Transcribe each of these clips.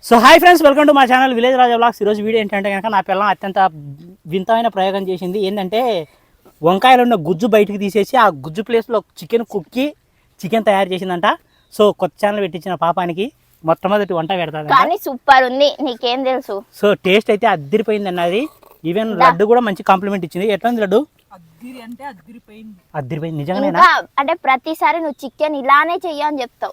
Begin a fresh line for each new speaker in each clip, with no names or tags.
So hi friends, welcome to మా channel village Raja blogs. ఈరోజు video ఏంటంటే కనుక నా పిల్లం అత్యంత వింతమైన ప్రయోగం చేసింది. ఏంటంటే వంకాయలు ఉన్న గుజ్జు బయటికి తీసేసి ఆ గుజ్జు ప్లేస్లో చికెన్ తయారు చేసిందంట. సో కొత్త ఛానల్ పెట్టించిన పాపానికి మొట్టమొదటి వంట పెడతాది.
కానీ సూపర్ ఉంది, నీకేం తెలుసు.
సో టేస్ట్ అయితే అద్దరిపోయింది అన్నది. ఈవెన్ లడ్డు కూడా మంచి కాంప్లిమెంట్ ఇచ్చింది. ఎట్లా ఉంది లడ్డు? అద్దరిపోయింది నిజంగానే.
అంటే ప్రతిసారి నువ్వు చికెన్ ఇలానే చెయ్యని చెప్తావు.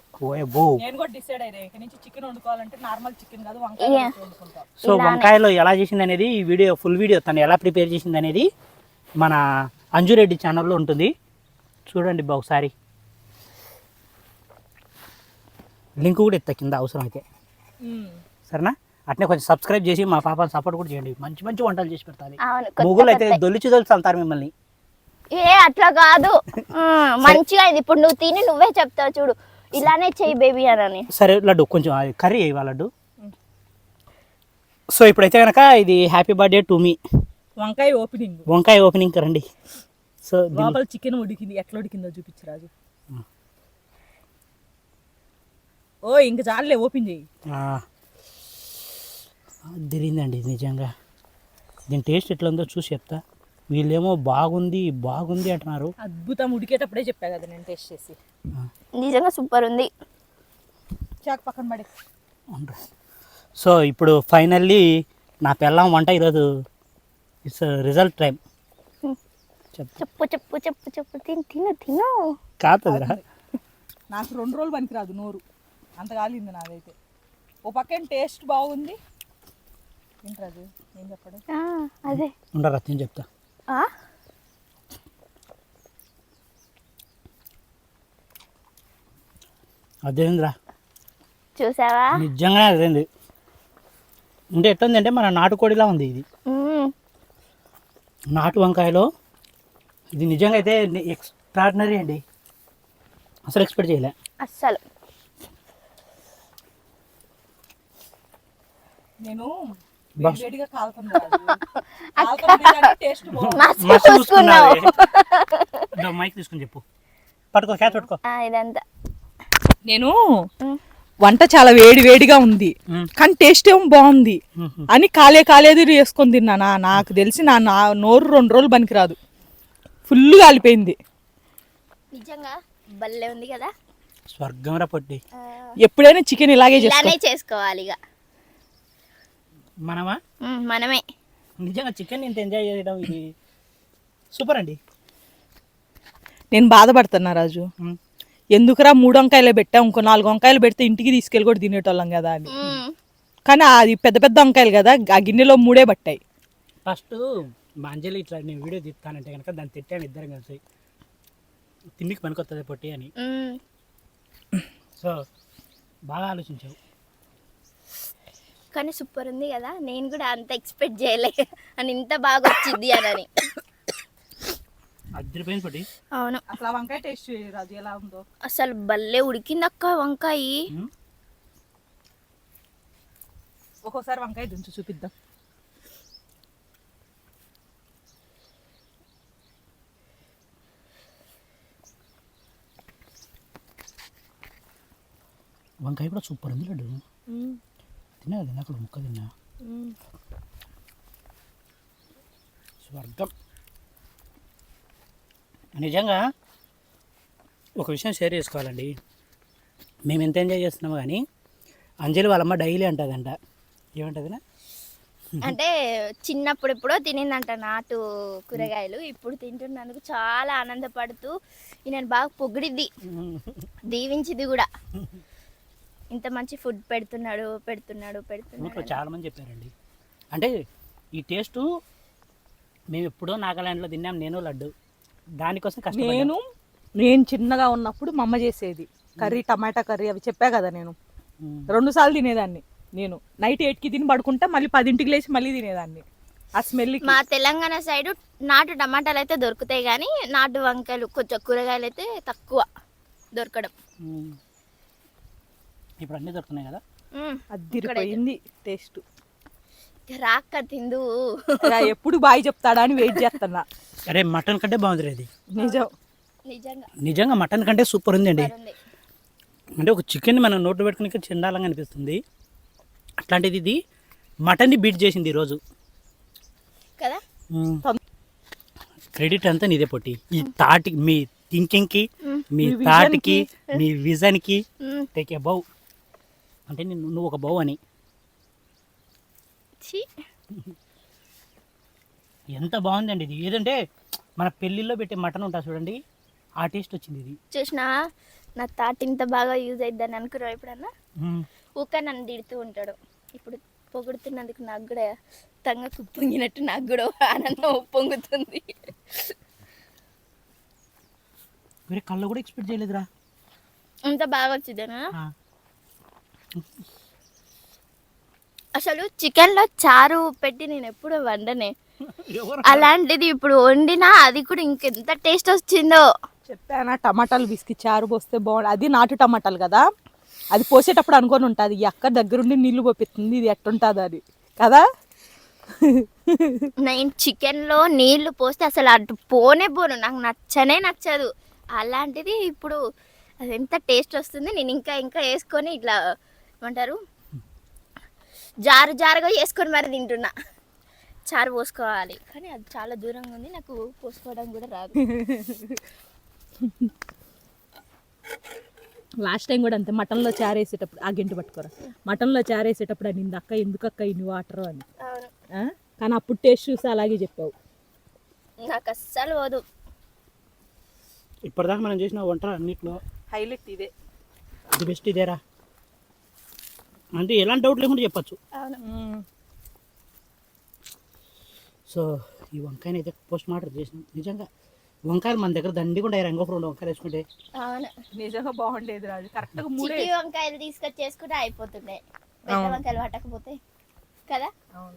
సో వంకాయలో ఎలా చేసింది అనేది ఈ వీడియో, ఫుల్ వీడియో తను ఎలా ప్రిపేర్ చేసింది అనేది మన అంజురెడ్డి ఛానల్లో ఉంటుంది, చూడండి ఒకసారి. లింక్ కూడా ఎత్తా కింద అవసరం అయితే, సరేనా? అట్నే కొంచెం సబ్స్క్రైబ్ చేసి మా పాపని సపోర్ట్ కూడా చేయండి. మంచి మంచి వంటలు చేసి పెడతాను. ముగ్గులు అయితే దొలిచి అంటారు మిమ్మల్ని.
ఏ అట్లా కాదు, మంచిగా అయింది. ఇప్పుడు నువ్వు తిని నువ్వే చెప్తావు చూడు, ఇలానే చెయ్యి బేబీ అని.
సరే లడ్డు, కొంచెం కర్రీ వేయాలి లడ్డు. సో ఇప్పుడైతే కనుక ఇది హ్యాపీ బర్త్డే టు మీ వంకాయ ఓపెనింగ్ రండి. సో
లోపల చికెన్ ఉడికింది, ఎట్లా ఉడికిందో చూపించు రాజు. ఓ ఇంక చాలే, ఓపెన్ చేయి.
తిరిగిందండి నిజంగా. దీని టేస్ట్ ఎట్లా ఉందో చూసి చెప్తా. వీళ్ళేమో బాగుంది అంటున్నారు.
అద్భుతం, ఉడికేటప్పుడే చెప్పా కదా నేను టేస్ట్ చేసి.
నిజంగా సూపర్ ఉంది.
చాక్ పక్కన పడే.
సో ఇప్పుడు ఫైనల్లీ నా పిల్లం వంట ఈరోజు ఇట్స్ రిజల్ట్ టైం.
చెప్పు చెప్పు చెప్పు చెప్పు తిను తిను తిను.
కాదురా,
నాకు 2 రోజులు పనికిరాదు నోరు, అంత కాలింది నాదైతే. ఓ పక్కన టేస్ట్ బాగుంది. ఏంట్రాజు ఏం చెప్పడం?
అదే
ఉండరా నేను చెప్తా. అదేంద్రా,
చూసావా?
నిజంగానే అదేంది. అంటే ఎట్లుంది అంటే మన నాటుకోడిలా ఉంది ఇది. నాటు వంకాయలో ఇది నిజంగా అయితే ఎక్స్ట్రాడినరీ అండి. అసలు ఎక్స్పెక్ట్ చేయలే
అస్సలు.
నేను
మైక్ తీసుకుని చెప్పు, పట్టుకో, క్యాచ్ పట్టుకో.
ఇదంతా
నేను వంట చాలా వేడిగా ఉంది కానీ టేస్ట్ ఏమో బాగుంది అని కాలేదు వేసుకొని తిన్నానా. నాకు తెలిసి నా నోరు 2 రోజులు పనికిరాదు, ఫుల్ కాలిపోయింది.
నిజంగా భలే ఉంది కదా,
స్వర్గం రా పొట్టి.
ఎప్పుడైనా చికెన్ ఇలాగే
చేసుకోవాలి ఇక మనమే.
నిజంగా చికెన్ ఇంత ఎంజాయ్ చేయడం ఇది సూపర్ అండి.
నేను బాధపడుతున్నా రాజు, ఎందుకురా 3 వంకాయలే పెట్టా, ఇంకో 4 వంకాయలు పెడితే ఇంటికి తీసుకెళ్ళి కూడా తినేటోళ్ళం కదా అని. కానీ అది పెద్ద పెద్ద వంకాయలు కదా, ఆ గిన్నెలో 3 పట్టాయి.
ఫస్ట్ మా అంజలి ఇట్లా నేను వీడియో తీస్తానంటే కనుక దాన్ని తిట్టాను ఇద్దరం కలిసి, తిండికి పనికొస్తుంది పొట్టి అని. సో బాగా ఆలోచించావు.
కానీ సూపర్ ఉంది కదా, నేను కూడా అంత ఎక్స్పెక్ట్ చేయలే అని, ఇంత బాగా వచ్చింది అని.
అద్దరిపోయింది పొట్టి.
అవును,
అసలు వంకాయ టేస్ట్ రాజు ఎలా ఉందో.
అసలు భలే ఉడికింది అక్క వంకాయ.
ఒక్కోసారి వంకాయ దించు చూపిద్దాం.
వంకాయ కూడా సూపర్ ఉంది లడ్డు. తిన్నా అక్కడ ముక్క తిన్నా, స్వర్గం. నిజంగా ఒక విషయం షేర్ చేసుకోవాలండి. మేము ఎంత ఎంజాయ్ చేస్తున్నామో కానీ అంజలి వాళ్ళమ్మ డైలీ అంటుందంట. ఏమంటుందినా
అంటే చిన్నప్పుడు ఎప్పుడో తినిందంట నాటు కూరగాయలు, ఇప్పుడు తింటున్నందుకు చాలా ఆనందపడుతూ నేను బాగా పొగిడిద్ది, దీవించింది కూడా. ఇంత మంచి ఫుడ్ పెడుతున్నాడు.
చాలా మంది చెప్పారండి. అంటే ఈ టేస్ట్ మేము ఎప్పుడో నాగాలాండ్లో తిన్నాం, నేను లడ్డు. దానికోసం
నేను చిన్నగా ఉన్నప్పుడు మా అమ్మ చేసేది కర్రీ, టమాటా కర్రీ, అవి చెప్పా కదా. నేను 2 సార్లు తినేదాన్ని. నేను నైట్ 8కి తిని పడుకుంటా, మళ్ళీ 10ంటికి లేచి మళ్ళీ తినేదాన్ని. ఆ స్మెల్.
మా తెలంగాణ సైడ్ నాటు టమాటాలు అయితే దొరుకుతాయి కానీ నాటు వంకాయలు, కొంచెం కూరగాయలు అయితే తక్కువ దొరకడం.
ఇప్పుడు అన్నీ దొరుకుతున్నాయి కదా.
అద్దిరిపోయింది టేస్ట్.
రాక్క తిందు,
ఎప్పుడు బాయ్ చెప్తాడా అని వెయిట్ చేస్తున్నా.
అరే మటన్ కంటే బాగుంది ఇది.
నిజంగా
మటన్ కంటే సూపర్ ఉంది అండి. అంటే ఒక చికెన్ మనం నోట్లో పెట్టుకుని చెండాలంగా అనిపిస్తుంది. అట్లాంటిది ఇది మటన్ని బీట్ చేసింది ఈరోజు.
కదా
క్రెడిట్ అంతా నీదే పొట్టి. ఈ thought, me థింకింగ్కి, me
me
థాట్కి, me విజన్కి
hmm.
Take a బౌ. అంటే నువ్వు ఒక బౌ అని.
ఛీ.
ఎంత బాగుందండి ఇది. ఏదంటే మన పెళ్ళిళ్ళలో పెట్టే మటన్ ఉంటుంది చూడండి, ఆ టేస్ట్ వచ్చింది ఇది.
చూసినా నా తాట ఇంత బాగా యూజ్ అయిద్దని అనుకున్నావు ఎప్పుడన్నా?
మ్మ్.
ఊక నన్ను తిడుతూ ఉంటాడు. ఇప్పుడు పొగుడుతున్నందుకు నాకు కూడా తంగకు పొంగినట్టు నాకు కూడా ఆనందం పొంగుతుంది.
వేరే కళ్ళు కూడా ఎక్స్పెక్ట్ చేయలేదురా.
అంత బాగా వచ్చిందేనా?
ఆ.
అసలు చికెన్లో చారు పెట్టి నేను ఎప్పుడు వండనే,
ఎవరు?
అలాంటిది ఇప్పుడు వండినా అది కూడా ఇంకెంత టేస్ట్ వచ్చిందో.
చెప్పానా టమాటాలు బిస్కి చారు పోస్తే బాగుంది. అది నాటు టమాటాలు కదా, అది పోసేటప్పుడు అనుకొని ఉంటుంది ఈ అక్క దగ్గరుండి నీళ్లు పోపిస్తుంది ఇది ఎట్టుంటుంది అని కదా.
నేను చికెన్లో నీళ్లు పోస్తే అసలు అటు పోనే పోను, నాకు నచ్చనే నచ్చదు. అలాంటిది ఇప్పుడు అది ఎంత టేస్ట్ వస్తుంది. నేను ఇంకా ఇంకా వేసుకొని ఇట్లా ఏమంటారు జారు జారుగా వేసుకొని మరి తింటున్నా. చారు పోసుకోవాలి కానీ అది చాలా దూరంగా ఉంది, నాకు పోసుకోవడం కూడా రాదు.
లాస్ట్ టైం కూడా అంతే, మటన్లో చారు వేసేటప్పుడు ఆ గంటి పట్టుకోరా, మటన్లో చారు వేసేటప్పుడు అని అక్క ఎందుకు అక్క ఇన్ని వాటర్ అని.
అవును,
ఆ? కానీ అప్పుడు టేస్ట్ చూసి అలాగే చెప్పావు.
నాకు అస్సలు పోదు.
ఇప్పటిదాకా మనం చేసిన వంట అన్నిట్లో
హైలైట్ ఇదే.
ఇది బెస్ట్ ఇదేరా. అంటే ఎలాంటి డౌట్ లేకుండా చెప్పచ్చు.
అవును,
సో ఈ వంకాయని అయితే పోస్ట్ మార్టం చేసినాం. నిజంగా వంకాయలు మన దగ్గర దండిగా ఇంకొక 2 వంకాయలు వేసుకుంటే
అవును.
నిజంగా బాగుండేది రాజు. కరెక్ట్గా 3
చిట్టి వంకాయలు తీసుకొచ్చి చేసుకుంటే అయిపోతుండే, పెద్ద వంకాయలు పట్టకపోతే కదా.
అవును,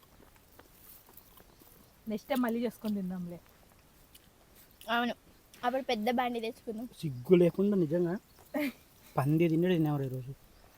నెక్స్ట్ టైం మళ్ళీ చేసుకొని తిందాంలే.
అవును, అప్పుడు పెద్ద బండి తెచ్చుకుందాం.
సిగ్గు లేకుండా నిజంగా పంది తినేవారు ఈరోజు.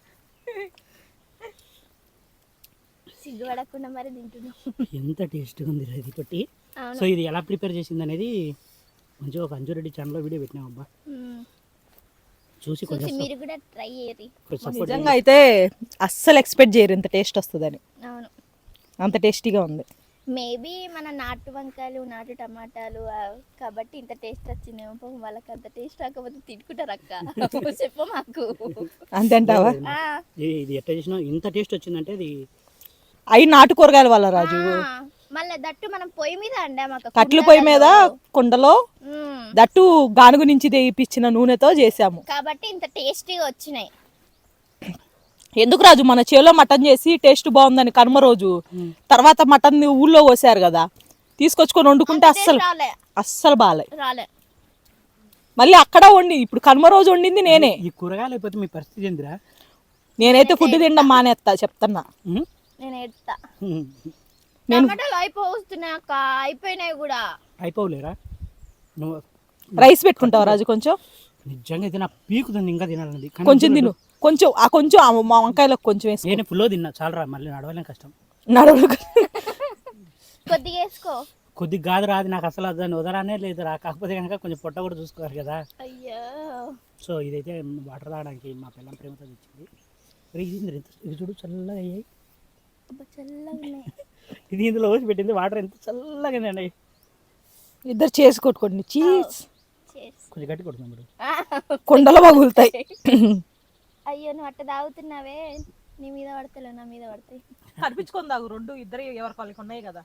సిగ్గుపడకుండా మరి తింటున్నాం.
ఎంత టేస్ట్గా ఉంది ఇది పట్టి.
అవును.
సో ఇది ఎలా ప్రిపేర్ చేసింది అనేది మంచిగా ఒక అంజురెడ్డి ఛానల్లో వీడియో పెట్టినాం అబ్బా. చూసి కొంచెం
మీరు కూడా ట్రై చేయరి.
సపోర్ట్
నిజంగా అయితే అస్సలు ఎక్స్పెక్ట్ చేయరు ఇంత టేస్ట్ వస్తుందని,
అవును,
అంత టేస్టీగా ఉంది.
మేబీ మన నాటు వంకాయలు నాటు టమాటాలు కాబట్టి ఇంత టేస్ట్ వచ్చిందేమో. పాపం వాళ్ళకి అంత టేస్ట్ రాకపోతే తిట్టుకుంటారు అక్క. చెప్ప మాకు.
అంతేంటావా?
ఆ,
ఇది ఎట్లా చేసినా ఇంత టేస్ట్ వచ్చిందంటే అది
అవి నాటు కూరగాయల వల్ల రాజు.
మళ్ళీ దట్టు మనం పొయ్యి మీద అండామక్క,
కట్లు పొయ్యి మీద కుండలో,
మ్మ్.
దట్టు గానుగు నుంచి తెప్పించిన నూనెతో చేసాము
కాబట్టి ఇంత టేస్టీగా వచ్చినాయి.
ఎందుకు రాజు మన చేలో మటన్ చేసి టేస్ట్ బాగుందని కనుమ రోజు తర్వాత మటన్ ఊళ్ళో పోసారు కదా, తీసుకొచ్చుకొని వండుకుంటే అస్సలు
రాలే
అస్సలు బాలే.
రాలే
మళ్ళీ అక్కడ వండి ఇప్పుడు కనుమ రోజు వండింది నేనే.
ఈ కూరగాయలు అయిపోతే మీ పరిస్థితి ఏందిరా?
నేనైతే ఫుడ్ తినడం మానేస్తా చెప్తున్నా.
నేను ఎడతా. టమాటాలు అయిపోతున్నాయి అక్క, అయిపోయినాయి కూడా.
అయిపోలేరా నువ్వు?
రైస్ పెట్టుకుంటావా రాజు కొంచెం?
నిజంగా అయితే నా పీకుతుంది ఇంకా తినాలన్నది. కానీ
కొంచెం తిను, కొంచెం ఆ కొంచెం మా వంకాయలకు కొంచెం వేసుకో.
నేను ఫుల్లో తిన్నా చాలరా, మళ్ళీ నడవలేం కష్టం.
నడవలు
కొద్దిగా వేసుకో.
కొద్దిగా కాదు రాదు నాకు అసలు దాన్ని వదరానే లేదురా. కాకపోతే కనుక కొంచెం పొట్ట కూడా చూసుకోవాలి కదా.
అయ్యో,
సో ఇదైతే వాటర్ తాగడానికి మా పిల్లం ప్రేమతో తెచ్చింది. ఇది చూడు చల్లగా అయ్యాయి.
అబ్బా, చల్లగా ఉన్నాయి.
ఇది ఇందులో వేసి పెట్టింది, వాటర్ ఎంత చల్లగా అండి.
ఇద్దరు చేసి కొట్టుకోండి. Cheese
Cheers.
కొంచెం గట్టి కొడుతుంది ఇప్పుడు.
కొండలు పగులుతాయి.
అయ్యో, నువ్వు అట్ట తాగుతున్నావే, నీ మీద పడతలే, నా మీద పడతాయి.
కనిపించుకొని తాగు, రెండు ఇద్దరు ఎవరి వాళ్ళకి ఉన్నాయి కదా.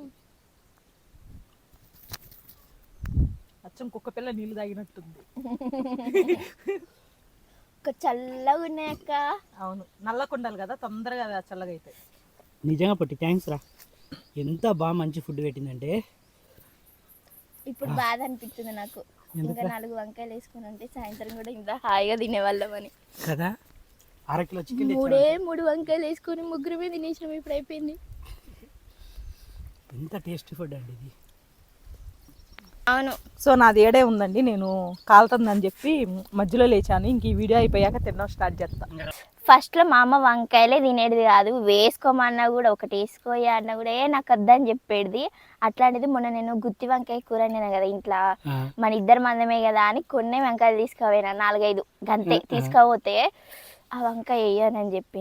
అచ్చం కుక్క పిల్ల నీళ్ళు తాగినట్టుంది.
చల్లగా ఉన్నాయి అక్క.
అవును, నల్ల కొండలు కదా, తొందరగా చల్లగా అవుతాయి.
నిజంగా పట్టి థ్యాంక్స్ రా. ఎంత బాగా మంచి ఫుడ్ పెట్టిందంటే
ఇప్పుడు బాధ అనిపిస్తుంది నాకు. ఇంకా 4 వంకాయలు వేసుకుని ఉంటే సాయంత్రం కూడా ఇంత హాయిగా తినేవాళ్ళమని
కదా. 1/2 కిలో చికెన్
3 వంకాయలు వేసుకొని ముగ్గురమే తినేసినాం. ఇప్పుడు అయిపోయింది.
ఎంత టేస్టీ ఫుడ్ అండి ఇది.
అవును.
సో నాది ఏడే ఉందండి, నేను కాలుతుందని చెప్పి మధ్యలో లేచాను. ఇంక ఈ వీడియో అయిపోయాక తినడం స్టార్ట్ చేస్తా.
ఫస్ట్లో మా అమ్మ వంకాయలే తినేది కాదు, వేసుకోమన్నా కూడా ఒకటి వేసుకోయా అన్నా కూడా నాకు వద్దని చెప్పేది. అట్లాంటిది మొన్న నేను గుత్తి వంకాయ కూర నేను కదా ఇంట్లో, మన 2 మందమే కదా అని కొన్ని వంకాయలు తీసుకుపోయినా, 4-5 గంతే తీసుకపోతే ఆ వంకాయ వేయనని చెప్పింది.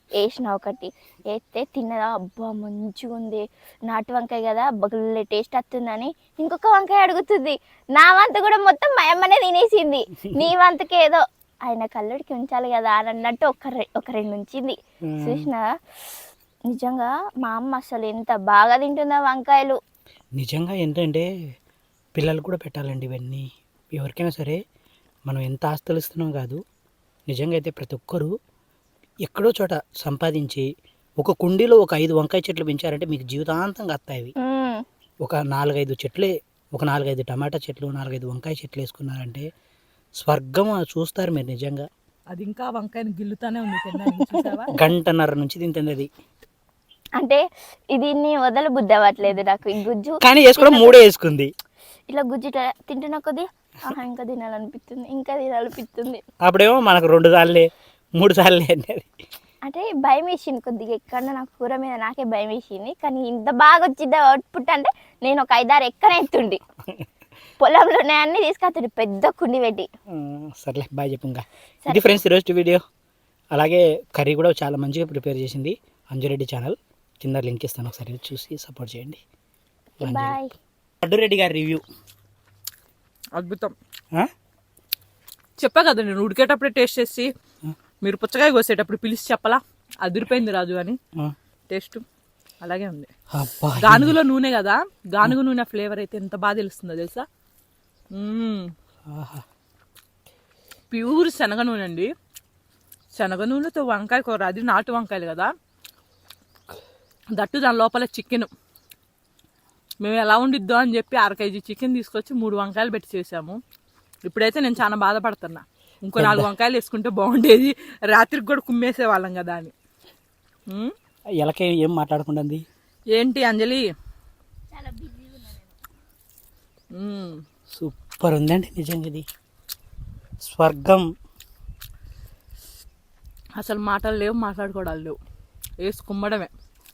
వేసిన ఒకటి వేస్తే తిన్నదా, అబ్బా మంచిగా ఉంది, నాటు వంకాయ కదా బగుల్లే టేస్ట్ వస్తుందని ఇంకొక వంకాయ అడుగుతుంది. నా వంతు కూడా మొత్తం మా అమ్మనే తినేసింది. నీ వంతుకి ఏదో ఆయన కళ్ళుడికి ఉంచాలి కదా అని అన్నట్టు ఒక రెండు ఉంచింది. చూసినా నిజంగా మా అమ్మ అసలు ఎంత బాగా తింటుందా వంకాయలు.
నిజంగా ఏంటంటే పిల్లలు కూడా పెట్టాలండి ఇవన్నీ. ఎవరికైనా సరే మనం ఎంత ఆస్తులు ఇస్తున్నాం కాదు, నిజంగా అయితే ప్రతి ఒక్కరూ ఎక్కడో చోట సంపాదించి ఒక కుండీలో ఒక 5 వంకాయ చెట్లు పెంచారంటే మీకు జీవితాంతంగా వస్తాయి. ఒక 4-5 చెట్లే, ఒక 4-5 టమాటా చెట్లు, 4-5 వంకాయ చెట్లు వేసుకున్నారంటే స్వర్గం చూస్తారు మీరు నిజంగా.
అది ఇంకా వంకాయని గిల్లుతానే ఉంది తినడానికి, చూసావా?
గంటన్నర నుంచి తింటుంది అది.
అంటే దీన్ని వదల బుద్ధి అవ్వట్లేదు నాకు ఈ గుజ్జు.
కానీ వేసుకోవడం 3 వేసుకుంది.
ఇలా గుజ్జు ఇట్లా తింటున్నా కొద్దీ ఇంకా తినాలనిపిస్తుంది, ఇంకా తినాలనిపిస్తుంది.
అప్పుడేమో మనకు 2 సార్లే 3 సార్లే అనేది.
అంటే భయం వేసింది కొద్దిగా, ఎక్కడ నాకు కూర మీద నాకే భయం వేసింది. కానీ ఇంత బాగా వచ్చింది అవుట్పుట్ అంటే నేను ఒక 5-6 ఎక్కడ ఎత్తుండి పొలంలోనే అన్ని తీసుకొచ్చుండి పెద్ద కుండి పెట్టి.
సర్లే బాయ్ చెప్పు. ఇంకా ఇది ఫ్రెండ్స్ ఈరోజు వీడియో. అలాగే కర్రీ కూడా చాలా మంచిగా ప్రిపేర్ చేసింది అంజురెడ్డి ఛానల్, కింద లింక్ ఇస్తాను, ఒకసారి చూసి సపోర్ట్ చేయండి.
బాయ్.
లడ్డురెడ్డి గారి రివ్యూ
అద్భుతం. చెప్పా కదా నేను ఉడికేటప్పుడే టేస్ట్ చేసి, మీరు పుచ్చకాయ కోసేటప్పుడు పిలిచి చెప్పలా అదిరిపోయింది రాజు అని. టేస్ట్ అలాగే ఉంది. గానుగులో నూనె కదా, గానుగు నూనె ఫ్లేవర్ అయితే ఎంత బాగా తెలుస్తుందో తెలుసా. ప్యూర్ శనగ నూనె అండి. శనగ నూనెతో వంకాయ కూర, అది నాటు వంకాయలు కదా, దట్టు దాని లోపల చికెన్. మేము ఎలా ఉండిద్దో అని చెప్పి 1/2 కేజీ చికెన్ తీసుకొచ్చి 3 వంకాయలు పెట్టి చేసాము. ఇప్పుడైతే నేను చాలా బాధపడుతున్నా, ఇంకో 4 వంకాయలు వేసుకుంటే బాగుండేది, రాత్రికి కూడా కుమ్మేసే వాళ్ళం కదా అని.
ఎలాకే ఏం మాట్లాడుకుంటుంది
ఏంటి అంజలి?
సూపర్ ఉందండి నిజంగా, ఇది స్వర్గం.
అసలు మాటలు లేవు, మాట్లాడుకోవడాలు లేవు, వేసి కుమ్మడమే.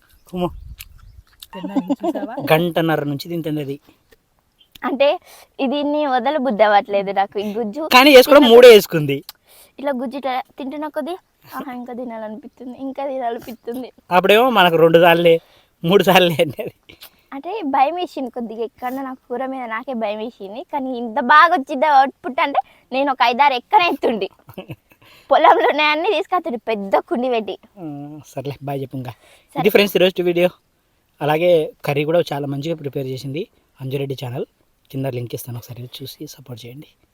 గంటన్నర నుంచి తింటుంది అది.
అంటే దీన్ని వదల బుద్ధి అవ్వట్లేదు నాకు ఈ గుజ్జు.
కానీ వేసుకోవడం 3 వేసుకుంది.
ఇలా గుజ్జు ఇట్లా తింటున్నా కొద్దీ ఇంకా తినాలనిపిస్తుంది, ఇంకా తినాలనిపిస్తుంది.
అప్పుడేమో మనకు 2 సార్లే 3 సార్లే అనేది.
అంటే భయం వేసింది కొద్దిగా, ఎక్కడ నాకు కూర మీద నాకే భయం వేసింది. కానీ ఇంత బాగా వచ్చింది అవుట్పుట్ అంటే నేను ఒక 5-6 ఎక్కడ ఎత్తుండి పొలంలోనే అన్ని తీసుకొచ్చుండి పెద్ద కుండి పెట్టి.
సర్లే బాయ్ చెప్పు. ఇంకా ఇది ఫ్రెండ్స్ ఈరోజు వీడియో. అలాగే కర్రీ కూడా చాలా మంచిగా ప్రిపేర్ చేసింది అంజురెడ్డి ఛానల్, కింద లింక్ ఇస్తాను, ఒకసారి చూసి సపోర్ట్ చేయండి.